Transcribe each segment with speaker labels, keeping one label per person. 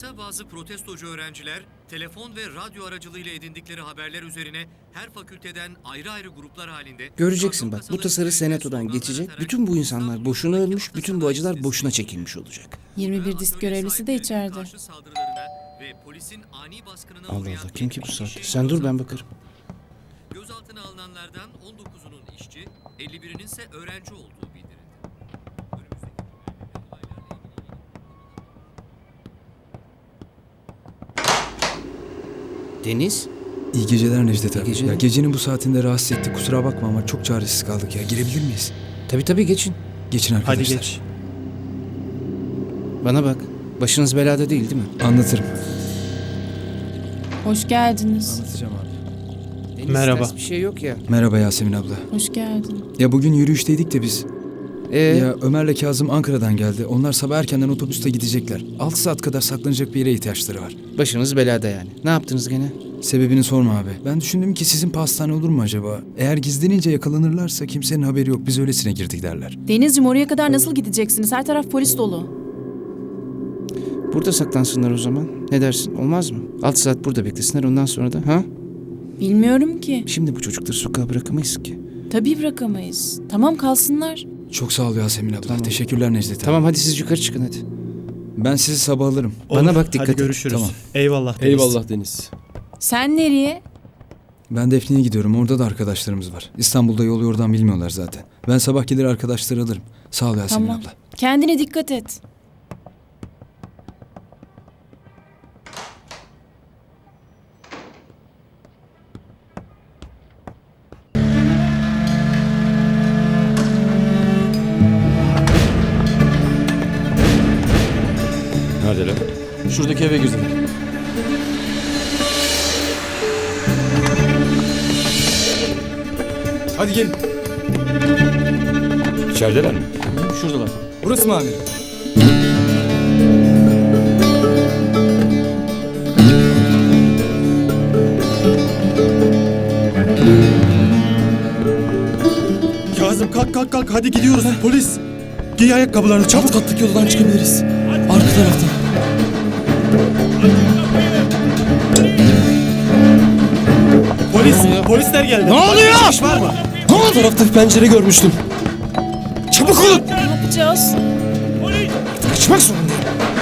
Speaker 1: Ankara bazı protestocu öğrenciler telefon ve radyo aracılığıyla edindikleri haberler üzerine her fakülteden ayrı ayrı gruplar halinde...
Speaker 2: Göreceksin bak, bu tasarı senatodan geçecek, bütün bu insanlar boşuna ölmüş, bütün bu acılar boşuna çekilmiş olacak.
Speaker 3: 21 disk görevlisi de içeride.
Speaker 2: Allah Allah, kim ki bu saatte? Sen dur, ben bakarım.
Speaker 1: Gözaltına alınanlardan 19'unun işçi, 51'inin ise öğrenci olduğu bildirildi.
Speaker 2: Deniz?
Speaker 4: İyi geceler Necdet abi.
Speaker 2: geceler.
Speaker 4: Ya gecenin bu saatinde rahatsız ettik. Kusura bakma ama çok çaresiz kaldık ya. Girebilir miyiz?
Speaker 2: Tabii geçin.
Speaker 4: Geçin arkadaşlar.
Speaker 5: Hadi geç.
Speaker 2: Bana bak, başınız belada değil mi?
Speaker 4: Anlatırım.
Speaker 3: Hoş geldiniz.
Speaker 4: Anlatacağım abi.
Speaker 2: Deniz,
Speaker 5: Merhaba.
Speaker 2: ters bir şey yok ya.
Speaker 4: Merhaba Yasemin abla.
Speaker 3: Hoş geldin.
Speaker 4: Ya bugün yürüyüşteydik de biz.
Speaker 2: Ya
Speaker 4: Ya Ömer'le Kazım Ankara'dan geldi. Onlar sabah erkenden otobüste gidecekler. 6 saat kadar saklanacak bir yere ihtiyaçları var.
Speaker 2: başınız belada yani. Ne yaptınız gene?
Speaker 4: Sebebini sorma abi. Ben düşündüm ki sizin pastane olur mu acaba? Eğer gizlenince yakalanırlarsa kimsenin haberi yok. Biz öylesine girdik derler.
Speaker 3: Denizciğim, oraya kadar nasıl gideceksiniz? Her taraf polis dolu.
Speaker 2: Burada saklansınlar o zaman. Ne dersin? Olmaz mı? 6 saat burada beklesinler, ondan sonra da ha?
Speaker 3: Bilmiyorum ki.
Speaker 2: Şimdi bu çocukları sokağa bırakamayız ki.
Speaker 3: Tabii bırakamayız. Tamam, kalsınlar.
Speaker 4: Çok sağ ol Yasemin abla.
Speaker 2: Tamam.
Speaker 4: Teşekkürler Necdet abi.
Speaker 2: Tamam, hadi siz yukarı çıkın hadi.
Speaker 4: Ben sizi sabah alırım.
Speaker 2: Bana bak, dikkat
Speaker 5: Hadi
Speaker 2: et.
Speaker 5: görüşürüz.
Speaker 4: Tamam.
Speaker 5: Eyvallah Deniz.
Speaker 6: Eyvallah Deniz.
Speaker 3: Sen nereye?
Speaker 4: Ben Defne'ye gidiyorum. Orada da arkadaşlarımız var. İstanbul'da yolu yordan bilmiyorlar zaten. Ben sabah gelir arkadaşları alırım. Sağ ol Yasemin
Speaker 3: Tamam.
Speaker 4: abla.
Speaker 3: Kendine dikkat et.
Speaker 6: Neredeler? Şuradaki eve girdim.
Speaker 4: Hadi gelin.
Speaker 6: İçerideler mi?
Speaker 4: Şuradalar. Burası mı amirim?
Speaker 5: Kazım kalk hadi gidiyoruz. Polis. Giy ayakkabılarını çabuk.
Speaker 6: Alt kattaki yoldan çıkabiliriz. Arka taraftan.
Speaker 5: Polisler geldi.
Speaker 2: Ne oluyor?
Speaker 5: İş var mı?
Speaker 6: Alt tarafta bir pencere görmüştüm.
Speaker 2: Çabuk olun!
Speaker 3: Ne yapacağız?
Speaker 2: Kaçmak zorundayım.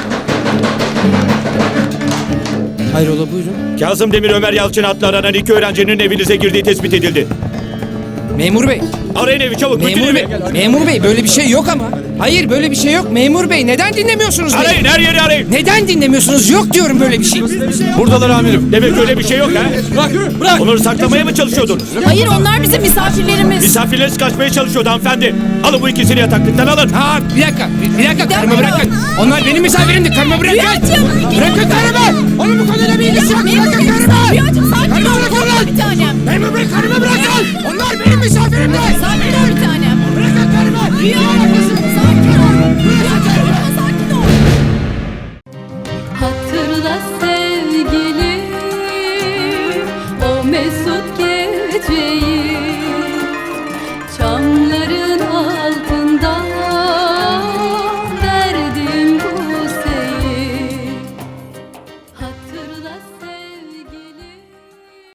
Speaker 2: Hayrola, buyurun.
Speaker 7: Kazım Demir Ömer Yalçın adlı aranan iki öğrencinin evinize girdiği tespit edildi.
Speaker 2: Memur bey.
Speaker 7: Arayın evi çabuk. bütün
Speaker 2: Memur
Speaker 7: evi.
Speaker 2: bey. Memur bey, böyle bir şey yok ama. Hayır, böyle bir şey yok. Memur bey, neden dinlemiyorsunuz beni?
Speaker 7: Arayın, her yeri arayın.
Speaker 2: Neden dinlemiyorsunuz? Yok diyorum böyle bir şey.
Speaker 7: Buradalar amirim. Demek öyle bir şey yok ha?
Speaker 6: Bırak!
Speaker 7: Onları saklamaya mı çalışıyordunuz?
Speaker 3: Hayır, onlar bizim misafirlerimiz.
Speaker 7: Misafirleriniz kaçmaya çalışıyordu hanımefendi. Alın bu ikisini yataklıktan alın.
Speaker 2: Ha, bir dakika, karımı bırakın. Onlar benim misafirimdi, karımı bırakın. Bırakın karımı. Onun bu konuyla bir ilgisi yok. Bırakın karımı.
Speaker 3: Rüyacığım, sakin
Speaker 2: Karımı
Speaker 3: ol.
Speaker 2: bırakın lan.
Speaker 3: Bir tanem.
Speaker 2: Memur bey, karımı bırakın. Onlar benim misafirimdi.
Speaker 3: Sakin ol bir tanem.
Speaker 2: Bırakın karımı.
Speaker 3: Rüya.